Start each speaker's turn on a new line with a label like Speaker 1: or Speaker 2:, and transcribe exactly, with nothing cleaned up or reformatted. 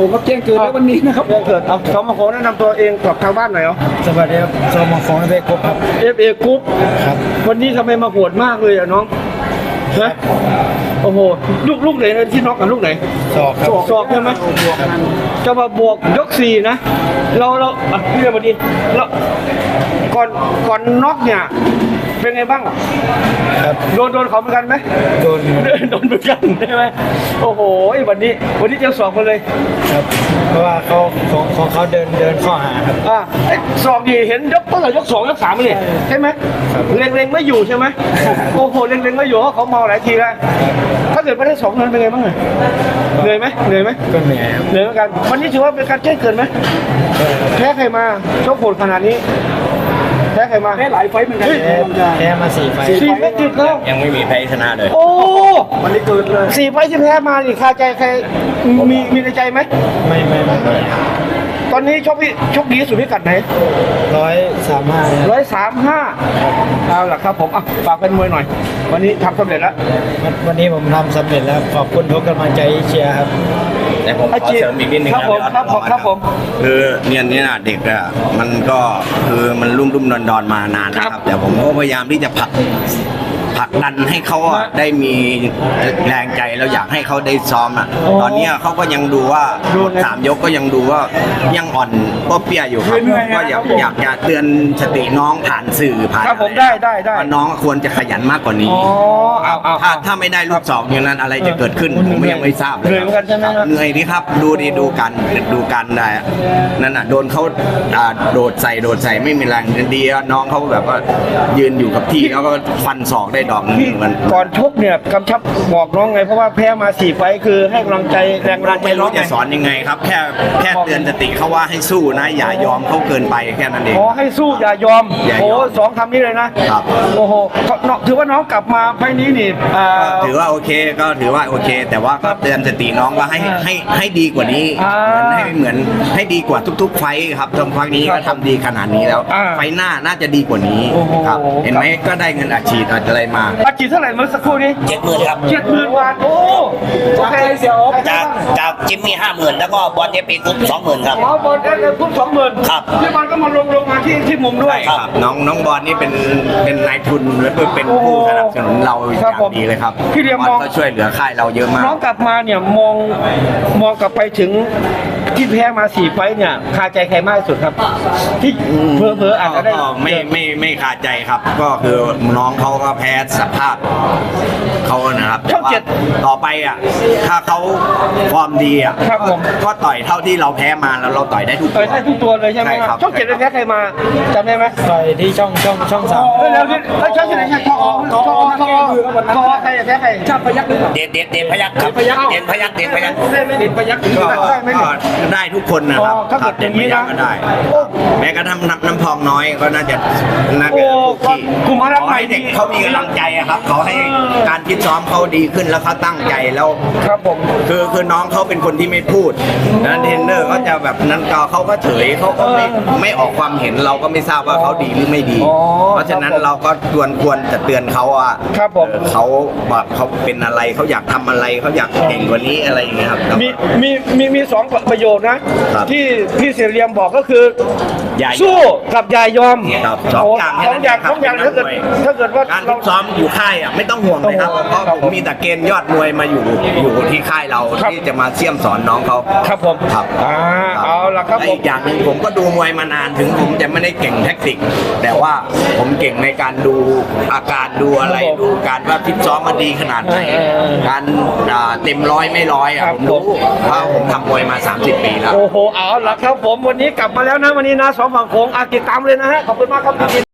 Speaker 1: งก็แจ้งเกิดแล้ววันนี้นะครับ
Speaker 2: แจ้งเกิดเอาสมโขงแนะนำตัวเองกับทางบ้านหน่อยเหรอ
Speaker 3: สวัสดีครับสมของเบกบครับ
Speaker 2: เอฟเอกรุ๊ป
Speaker 3: ครับ
Speaker 2: วันนี้ทำไมมาโหดมากเลยอ่ะน้องฮะโอ้โหลูกลูกไหนนะที่น็อกกับลูกไหน
Speaker 3: ศอกครับ
Speaker 2: ศอกใช่ไหมจะมาบวกยกสี่นะเราเราอ่ะพี่เรียกมาดีแล้วก่อนก่อนน็อกเนี่ยเป็นไงบ้าง
Speaker 3: ครับ
Speaker 2: โดนโดนเขาเหมือนกันไหม
Speaker 3: โดน
Speaker 2: โดนเหมือนกันใช่ไหมโอ้โหวันนี้วันนี้เจอสองคนเลย
Speaker 3: ครับเพราะว่าเขาของของเขาเดินเดินข้อหาครับ
Speaker 2: อ่าไอ้สองดีเห็นยกตั้งแต่ยกสองยกสามเลยใช่ไหม
Speaker 3: ครับ
Speaker 2: เล็งเล็งไม่อยู่ใช่ไหมโอ้โหเล็งเล็งไม่อยู่เพราะเขาเมาหลายทีแล้วถ้าเกิดไม่ได้สองนั้นเป็นไงบ้างเหนื่อยไหมเหนื่อยไหม
Speaker 3: ก็เหนื่อยครับ
Speaker 2: เหนื่อยเหมือนกันวันนี้ถือว่าเป็นการแจ้งเกิดไหมแพ้ใครมาชกโหดขนาดนี้แพ้ใครมา
Speaker 1: แพ้หลายไฟต์เหมือนกัน
Speaker 3: แพ้แพ้มาสี่ไฟล์
Speaker 2: สี่ไม่ติดแล้ว
Speaker 4: ยังไม่มีแพ้ชนะเลย
Speaker 2: โอ้
Speaker 1: วันนี้เกิดเลย
Speaker 2: สี่ไฟต์ที่แพ้มานี่คาใจใครมีมีในใจไหม
Speaker 3: ไม่ไม่ไม่ไม่
Speaker 2: ตอนนี้ชกพี่ชกดีที่สุดพิกัดไหน
Speaker 3: ร้อยสามห้า
Speaker 2: ร้อยสามห้าเอาล่ะครับผมอ่ะฝากเป็นมวยหน่อย วันนี้ทำสำเร็จแล้ว
Speaker 3: วันวันนี้ผมทำสำเร็จแล้วขอบคุณทุกกำลังใจที่เชียร์ครับ
Speaker 4: แต่ผมขอเสริมอีกนิดนึง
Speaker 2: ครับผมครับผมครับผม
Speaker 4: คือเนี่ยเนี่ยเด็กอะมันก็คือมันรุ่มรุ่มดอนดอนมานานนะครับ แต่ผมก็พยายามที่จะผลักผลักดันให้เขาอะได้มีแรงใจแล้วอยากให้เขาได้ซ้อมอะตอนเนี้ยเขาก็ยังดูว่าสามยกก็ยังดูว่ายังอ่อนก็เปี้ยอยู่ครับก็อยากอยากจะเตือนสติน้องผ่านสื่อผ่าน
Speaker 2: ครับผมได้ได้ได้
Speaker 4: ว่าน้องควรจะขยันมากกว่านี้
Speaker 2: อ๋อเอาเอา
Speaker 4: ถ้าถ้าไม่ได้ลูกสองอย่างนั้นอะไรจะเกิดขึ้นผมยังไม่ทราบเลย
Speaker 2: เหนื่อยเหมือนกันใช่ไหมครับ
Speaker 4: เหนื่อยดิครับดูดิดูกันดูกันได้อะนั่นน่ะโดนเขาอ่าโดดใส่โดดใส่ไม่มีแรงดีอะน้องเขาแบบว่ายืนอยู่กับที่แล้วก็ฟันศอกได้ดอกหนึง
Speaker 2: พี่
Speaker 4: มัน
Speaker 2: ก่อนชกเนี่ยกำชับบอกน้องไงเพราะว่าแพ้มาสี่ไฟต์คือให้กำลังใจแรงกำลังใจ
Speaker 4: ไม่
Speaker 2: น้อ
Speaker 4: รู้
Speaker 2: งไง
Speaker 4: จะสอนยังไงครับ แค่แค่เตือนสติเขาว่าให้สู้นะอย่ายอมเขาเกินไปแค่นั้นเอง
Speaker 2: ขอให้สู้อย่ายอม
Speaker 4: อย่ายอม
Speaker 2: โอ้สองคำนี้เลยนะครับ โอ้โหน้องถือว่าน้องกลับมาไฟต์นี้นี่อ่า
Speaker 4: ถือว่าโอเคก็ถือว่าโอเค แต่ว่าก็เตือนสติน้องว่าให้ให้ให้ดีกว่านี้
Speaker 2: อ่า
Speaker 4: ให้เหมือนให้ดีกว่าทุก ๆ ไฟท์ครับตรงไฟท์นี้ก็ทำดีขนาดนี้แล้ว
Speaker 2: อ่า
Speaker 4: ไฟท์หน้าน่าจะดีกว่านี้
Speaker 2: โอ้โห
Speaker 4: ครับเห็นไหมก็ได้เงินอาชีพอะไรมา
Speaker 2: อาชีพเท่าไหร่เมื่อสักครู่นี้
Speaker 5: เจ็ดหมื่นครับ
Speaker 2: เจ็ดหมื่นบาทโอ้โอเคเสียโอ๊ค
Speaker 5: จากจากจิมมี่ห้าหมื่นแล้วก็บอลเอฟปีกรุ๊ปสองหมื่นครับ
Speaker 2: หมอบอลได้เลยพุ่งสองหมื่น
Speaker 5: ครับ
Speaker 2: พี่บอลก็มาลงลงมาที่ที่มุมด้วย
Speaker 4: ครับน้องน้องบอลนี่เป็นเป็นนายทุนและเป็นผู้สนับสนุนเราอ
Speaker 2: ครั
Speaker 4: ย่า
Speaker 2: บผม
Speaker 4: งดีเลยครับ
Speaker 2: พี่เรียม
Speaker 4: บ
Speaker 2: ม
Speaker 4: อ
Speaker 2: อง
Speaker 4: ลก็ช่วยเหลือค่ายเราเยอะมาก
Speaker 2: น้องกลับมาเนี่ยมองมองกลับไปถึงที่แพ้มาสี่ไฟต์เนี่ยคาใจใครมากที่สุดครับ ที่เพอเพอๆอาจจะได้
Speaker 4: ก็ไม่ไม่ไม่ขาดใจครับ ก็คือน้องเขาก็แพ้สภาพเขานะครับแต่ว่าต่อไปอ่ะถ้าเขาฟอร์มดีอ่ะ
Speaker 2: ครับผม
Speaker 4: ก็ต่อยเท่าที่เราแพ้มาแล้วเราต่อยได้ทุก
Speaker 2: ต่อยได้ทุกตัวเลยใช่ไหม
Speaker 4: ใช่
Speaker 2: ค
Speaker 4: ครั
Speaker 2: รับบ ช่องเจ็ดเป็นแพ้ใครมาจำได้ไหม
Speaker 3: ต่อยที่ช่องช่องช่องสาม
Speaker 2: เร็วๆนี่เอ้ยช่องเจ็ดใครทอทอทอทอทอใครแพ้ใคร
Speaker 1: ชาติพยักษ์หรือเปล่า
Speaker 5: เด่นเด่นเด่นพยักครับเด่นพยักเด่นพยัก
Speaker 2: ได้ไหมเด่นพยักษ์
Speaker 4: ก็
Speaker 2: ได้ไหม
Speaker 4: ก็ได้ทุกคนนะครับ
Speaker 2: อ๋อถ้าเกิด
Speaker 4: เด่นไม่
Speaker 2: อย่างนี้นะ
Speaker 4: ยากก็ได้ แม้กระทั่งน้ำน้ำพองน้อยก็น่าจะน่า
Speaker 2: โอ้
Speaker 4: จะถูกที่
Speaker 2: กลุ่มอารัก
Speaker 4: ขอ
Speaker 2: ใหม่
Speaker 4: ให้เด็กเขามีกำลังใจอะครับเขาให้การคิดซ้อมเขาดีขึ้นแล้วเขาตั้งใจแล้ว
Speaker 2: ครับผม
Speaker 4: คือคือน้องเขาเป็นคนที่ไม่พูดนะเทรนเนอร์เขาจะแบบนั้นก็เขาก็เฉยเขาก็ไม่ไม่ออกความเห็นเราก็ไม่ทราบว่าเขาดีหรือไม่ดี
Speaker 2: อ๋อ
Speaker 4: เพราะฉะนั้นเราก็ควรควรจะเตือนเขาอ่ะ
Speaker 2: ครับผม
Speaker 4: เออเขาแบบเขาเป็นอะไรเขาอยากทำอะไรเขาอยากเก่งกว่านี้อะไรอย่างเงี้ยครับ
Speaker 2: มีมีมีมีสองประโยคนะครับ ที่พี่เสรียมบอกก็คือ
Speaker 4: อย่ายอม
Speaker 2: สู้กับอย่ายอม
Speaker 4: ครับสองอย่าง
Speaker 2: สองอย่างสองอย่าง
Speaker 4: แค่
Speaker 2: ถ้า
Speaker 4: นั้น
Speaker 2: เกิด
Speaker 4: เอง
Speaker 2: ถ้าเกิดว่า
Speaker 4: การ
Speaker 2: เรา
Speaker 4: ฝึกซ้อมอยู่ค่ายอ่ะไม่ต้องห่วงเลยครับเพราะผมมีแต่เกณฑ์ยอดมวยมาอยู่อยู่ที่ค่ายเรา
Speaker 2: ครับ
Speaker 4: ที่จะมาเสี่ยมสอนน้องเขา
Speaker 2: ครับผม
Speaker 4: ครับ
Speaker 2: อ่าเอาละครับ
Speaker 4: และ
Speaker 2: ผ
Speaker 4: อี
Speaker 2: ม
Speaker 4: กอย่างหนึ่งผมก็ดูมวยมานานถึงผมจะไม่ได้เก่งแท็กติก แต่ว่าผมเก่งในการดูอาการดูอะไร
Speaker 2: ครับผม
Speaker 4: ดูการว่าฟิตซ้อมมาดีขนาดไหน
Speaker 2: เออเออ
Speaker 4: การอ่าเต็มร้อยไม่ร้อยอ่ะ
Speaker 2: ครับ
Speaker 4: ผมรู้เพราะผมทำมวยมา สามสิบ ปีแล้ว
Speaker 2: โอ้โหเอาละครับผมวันนี้กลับมาแล้วนะวันนี้นะสองฝั่งโขงอาติดตามเลยนะฮะขอบคุณมากครับ